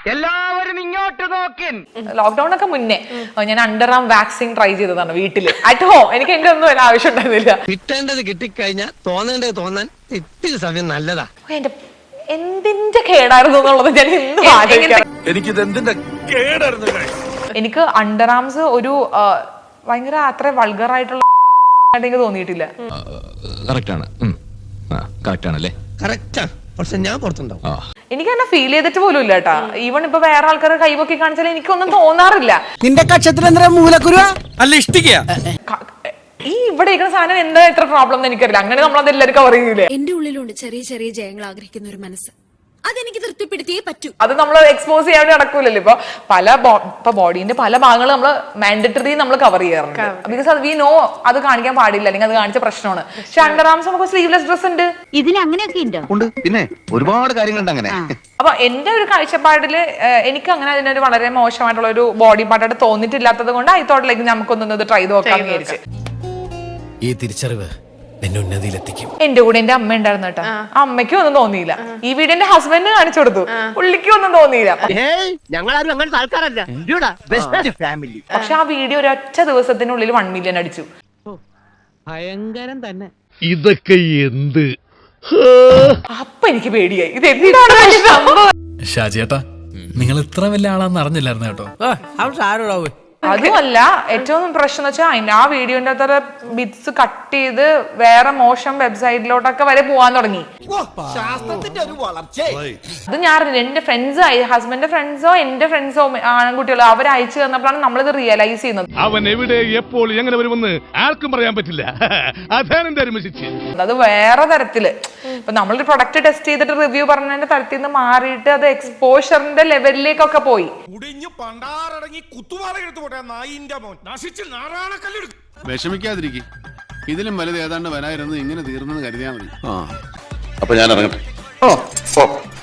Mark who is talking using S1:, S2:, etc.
S1: എല്ലാവരും ഇങ്ങോട്ട് നോക്കിൻ.
S2: ലോക്ക്ഡൌൺ ഒക്കെ മുന്നേ ഞാൻ അണ്ടർ ആം വാക്സിൻ ട്രൈ ചെയ്തതാണ് വീട്ടില് അറ്റ് ഹോം. എനിക്ക് എന്റെ ഒന്നും വല്ല ആവശ്യം ഉണ്ടായിരുന്നില്ല.
S3: കിട്ടേണ്ടത് കിട്ടിക്കഴിഞ്ഞാൽ തോന്നേണ്ടത് തോന്നാൻ ഇത്തിരി സമയം നല്ലതാ.
S2: എന്റെ എന്തിന്റെ കേടായിരുന്നു എന്നുള്ളത് ഞാൻ ഇന്നും ആലോചിക്കാം. എനിക്ക് അണ്ടർ ആംസ് ഒരു ഭയങ്കര അത്ര വൾഗർ ആയിട്ടുള്ള എനിക്ക് തോന്നിയിട്ടില്ല.
S3: പക്ഷെ ഞാൻ പുറത്തുണ്ടാവും.
S2: എനിക്ക് തന്നെ ഫീൽ ചെയ്തിട്ട് പോലും ഇല്ല കേട്ടാ. ഈവൺ ഇപ്പൊ വേറെ ആൾക്കാർ കൈവക്കി കാണിച്ചാൽ എനിക്കൊന്നും തോന്നാറില്ല.
S4: നിന്റെ കക്ഷത്തിൽ എന്താ മൂലക്കുരു അല്ല ഇഷ്ടിക്ക
S2: ഈ ഇവിടെ ഇരിക്കുന്ന സാധനം എന്താ ഇത്ര പ്രോബ്ലം എന്ന് എനിക്കറിയില്ല. അങ്ങനെ നമ്മളത് എല്ലാവരും കവർ ചെയ്യൂലേ.
S5: എന്റെ ഉള്ളിലുണ്ട് ചെറിയ ചെറിയ ജയങ്ങൾ ആഗ്രഹിക്കുന്ന ഒരു മനസ്സ്. അതെനിക്ക് തൃപ്തിപ്പെടുത്തിയേ പറ്റൂ.
S2: അത് നമ്മൾ എക്സ്പോസ് ചെയ്യാൻ നടക്കൂലല്ലോ. ഇപ്പൊ ബോഡീന്റെ പല ഭാഗങ്ങൾ നമ്മൾ മാൻഡറ്ററി നമ്മൾ കവർ ചെയ്യാറുണ്ട്. ബിക്കോസ് അത് വി നോ അത് കാണിക്കാൻ പാടില്ല, അല്ലെങ്കിൽ അത് കാണിച്ച പ്രശ്നമാണ്. പക്ഷെ അണ്ടർ ആംസ് നമുക്ക് സ്ലീവ്ലെസ് ഡ്രസ് ഉണ്ട്.
S6: ഇതിന് അങ്ങനെയൊക്കെ ഉണ്ട്.
S1: പിന്നെ ഒരുപാട് കാര്യങ്ങളുണ്ട് അങ്ങനെ.
S2: അപ്പൊ എന്റെ ഒരു കാഴ്ചപ്പാടില് എനിക്ക് അങ്ങനെ അതിനൊരു വളരെ മോശമായിട്ടുള്ള ഒരു ബോഡി പാർട്ടായിട്ട് തോന്നിയിട്ടില്ലാത്തത് കൊണ്ട് ഐ തോട്ട് ലൈക്ക് നമുക്കൊന്നത് ട്രൈ നോക്കാന്ന് വിചാരിച്ചു.
S4: ഈ തിരിച്ചറിവ് എന്നെ ഉന്നതിയിലെത്തിക്കും.
S2: എന്റെ കൂടെ എന്റെ അമ്മ ഉണ്ടായിരുന്നു കേട്ടോ. അമ്മയ്ക്കും ഒന്നും തോന്നിയില്ല. ഈ വീട് എന്റെ ഹസ്ബൻഡിന് കാണിച്ചു കൊടുത്തു, പുള്ളിക്കും ഒന്നും തോന്നിയില്ല.
S3: ഞങ്ങളാരും അങ്ങനത്തെ ആൾക്കാരല്ല.
S2: പക്ഷെ ആ വീഡിയോ ഒരൊറ്റ ദിവസത്തിനുള്ളിൽ 1 മില്യൺ അടിച്ചു.
S3: ഭയങ്കരം തന്നെ.
S7: ഇതൊക്കെ എന്ത്?
S2: അപ്പൊ എനിക്ക് പേടിയായി. ഇത് എന്താണ് സംഭവം?
S8: ഷാജിയേട്ടാ, നിങ്ങൾ ഇത്ര വലിയ ആളാന്ന് അറിഞ്ഞില്ലായിരുന്നു കേട്ടോ.
S2: അതുമല്ല, ഏറ്റവും പ്രശ്നം എന്ന് വെച്ചാൽ ആ വീഡിയോന്റെ അത്ര ബിറ്റ്സ് കട്ട് ചെയ്ത് വേറെ മോശം വെബ്സൈറ്റിലോട്ടൊക്കെ വരെ പോവാൻ തുടങ്ങി. അത് ഞാൻ എന്റെ ഫ്രണ്ട്സ്, ഹസ്ബൻഡിന്റെ ഫ്രണ്ട്സോ എന്റെ ഫ്രണ്ട്സോ ആൺകുട്ടികളോ അവർ അയച്ചു തന്നപ്പോഴാണ് നമ്മളിത് റിയലൈസ് ചെയ്യുന്നത്.
S7: അവൻ എവിടെ എപ്പോൾ എങ്ങനെ വരുമെന്ന് ആർക്കും പറയാൻ പറ്റില്ല. അതാണ് എന്റെ അരുമശിച്ച്.
S2: അത് വേറെ തരത്തില് ഇപ്പൊ നമ്മളൊരു പ്രൊഡക്റ്റ് ടെസ്റ്റ് ചെയ്തിട്ട് റിവ്യൂ പറഞ്ഞതിന്റെ തരത്തിൽ നിന്ന് മാറിയിട്ട് അത് എക്സ്പോഷറിന്റെ ലെവലിലേക്കൊക്കെ പോയി.
S9: വിഷമിക്കാതിരിക്കും. ഇതിലും വലുത് ഏതാണ്ട് വരായിരുന്നു. ഇങ്ങനെ തീർന്നെന്ന് കരുതിയാൽ മതി.
S1: അപ്പൊ ഞാൻ ഇറങ്ങട്ടെ.